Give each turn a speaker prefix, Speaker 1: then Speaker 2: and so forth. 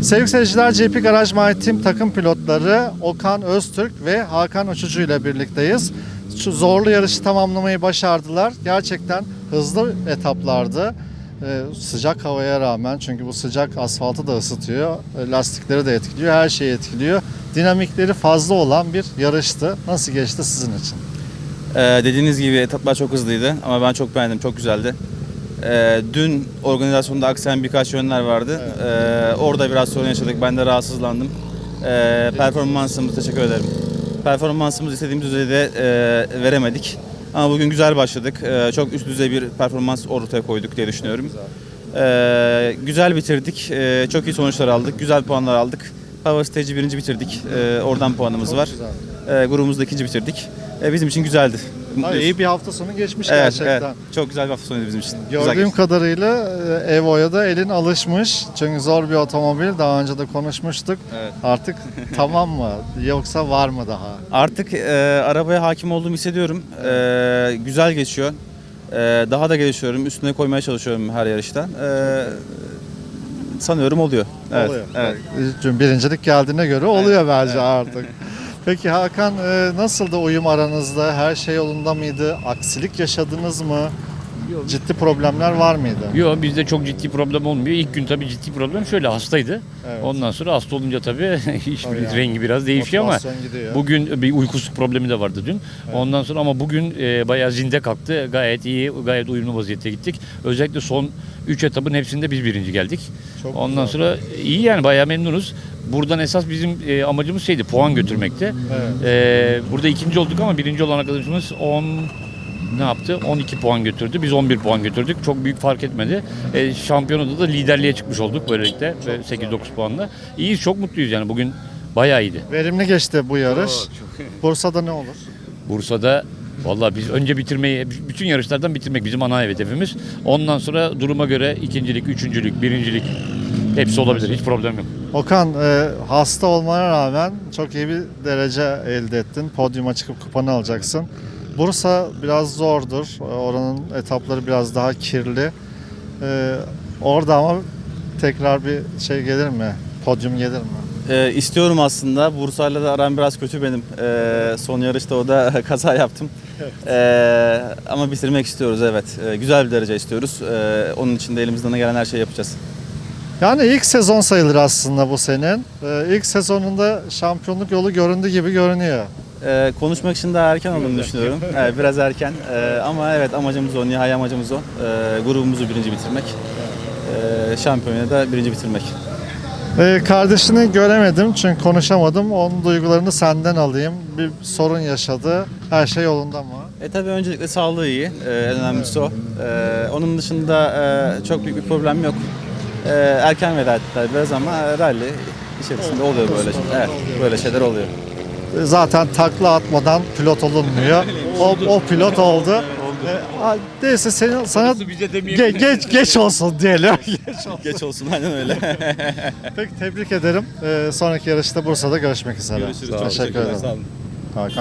Speaker 1: Sevgili seyirciler, GP Garaj My Team takım pilotları Okan Öztürk ve Hakan Uçucu ile birlikteyiz. Şu zorlu yarışı tamamlamayı başardılar. Gerçekten hızlı etaplardı. Sıcak havaya rağmen, çünkü bu sıcak asfaltı da ısıtıyor, lastikleri de etkiliyor, her şeyi etkiliyor. Dinamikleri fazla olan bir yarıştı. Nasıl geçti sizin için?
Speaker 2: Dediğiniz gibi etaplar çok hızlıydı ama ben çok beğendim, çok güzeldi. Dün organizasyonda aksayan birkaç yönler vardı. Orada biraz sorun yaşadık, ben de rahatsızlandım. Performansımız, teşekkür ederim. Performansımız istediğimiz düzeyde veremedik. Ama bugün güzel başladık. Çok üst düzey bir performans ortaya koyduk diye düşünüyorum. Güzel bitirdik, çok iyi sonuçlar aldık, güzel puanlar aldık. Power Stage'i birinci bitirdik, oradan puanımız var. Grubumuzda ikinci bitirdik. Bizim için güzeldi.
Speaker 1: İyi bir hafta sonu geçmiş
Speaker 2: Evet,
Speaker 1: gerçekten.
Speaker 2: evet. Çok güzel bir hafta sonuydu bizim için.
Speaker 1: Gördüğüm kadarıyla Evo'ya da elin alışmış. Çünkü zor bir otomobil. Daha önce de konuşmuştuk.
Speaker 2: Evet.
Speaker 1: Artık tamam mı? Yoksa var mı daha?
Speaker 2: Artık arabaya hakim olduğumu hissediyorum. Güzel geçiyor. Daha da gelişiyorum. Üstüne koymaya çalışıyorum her yarışta. Sanıyorum oluyor. Evet.
Speaker 1: Oluyor.
Speaker 2: Evet.
Speaker 1: Çünkü birincilik geldiğine göre oluyor bence artık. Peki Hakan, nasıldı uyum aranızda? Her şey yolunda mıydı? Aksilik yaşadınız mı? Ciddi problemler var mıydı?
Speaker 3: Yok, bizde çok ciddi problem olmuyor. İlk gün tabii ciddi problem şöyle, hastaydı.
Speaker 1: Evet.
Speaker 3: Ondan sonra hasta olunca tabii iş
Speaker 1: Tabii yani.
Speaker 3: rengi biraz değişiyor ama
Speaker 1: Motivasyon gidiyor.
Speaker 3: bugün bir uykusuzluk problemi de vardı dün.
Speaker 1: Evet.
Speaker 3: Ondan sonra ama bugün bayağı zinde kalktı. Gayet iyi, gayet uyumlu vaziyette gittik. Özellikle son 3 etapın hepsinde biz birinci geldik.
Speaker 1: Çok
Speaker 3: Ondan
Speaker 1: güzel.
Speaker 3: sonra iyi, yani bayağı memnunuz. Buradan esas bizim amacımız şeydi, puan götürmekti. Burada ikinci olduk ama birinci olan arkadaşımız 12 puan götürdü. Biz 11 puan götürdük. Çok büyük fark etmedi. Şampiyonada da liderliğe çıkmış olduk böylelikle. 8-9 puanla. İyiyiz, çok mutluyuz yani. Bugün bayağı iyiydi.
Speaker 1: Verimli geçti bu yarış. Bursa'da ne olur?
Speaker 3: Bursa'da vallahi biz önce bitirmeyi, bütün yarışlardan bitirmek bizim ana hedefimiz. Ondan sonra duruma göre ikincilik, üçüncülük, birincilik hepsi olabilir. Hiç problem yok.
Speaker 1: Okan, hasta olmana rağmen çok iyi bir derece elde ettin. Podyuma çıkıp kupanı alacaksın. Bursa biraz zordur. Oranın etapları biraz daha kirli. Orada ama tekrar bir şey gelir mi? Podyum gelir mi?
Speaker 2: İstiyorum aslında. Bursa'yla da aram biraz kötü benim. Son yarışta o da kaza yaptım. Ama bitirmek istiyoruz, evet. Güzel bir derece istiyoruz. Onun için de elimizden gelen her şeyi yapacağız.
Speaker 1: Yani ilk sezon sayılır aslında bu senin. İlk sezonunda şampiyonluk yolu göründü gibi görünüyor.
Speaker 2: Konuşmak için daha erken olduğunu düşünüyorum. Biraz erken. Ama evet, amacımız o, nihai amacımız o. Grubumuzu birinci bitirmek. Şampiyonayı da birinci bitirmek.
Speaker 1: Kardeşini göremedim çünkü konuşamadım. Onun duygularını senden alayım. Bir sorun yaşadı. Her şey yolunda mı?
Speaker 2: Tabii öncelikle sağlığı iyi. En önemlisi o. Onun dışında çok büyük bir problem yok. Erken veda ettiler biraz ama rally içerisinde oluyor böyle şeyler. Evet, böyle şeyler oluyor.
Speaker 1: Zaten takla atmadan pilot olunmuyor. O pilot oldu. Neyse sana geç olsun diyelim.
Speaker 2: Geç olsun, aynen öyle.
Speaker 1: Peki, tebrik ederim. Sonraki yarışta Bursa'da görüşmek üzere.
Speaker 2: Görüşürüz.
Speaker 1: Teşekkür ederim.
Speaker 2: Sağ olun.
Speaker 1: Hakan.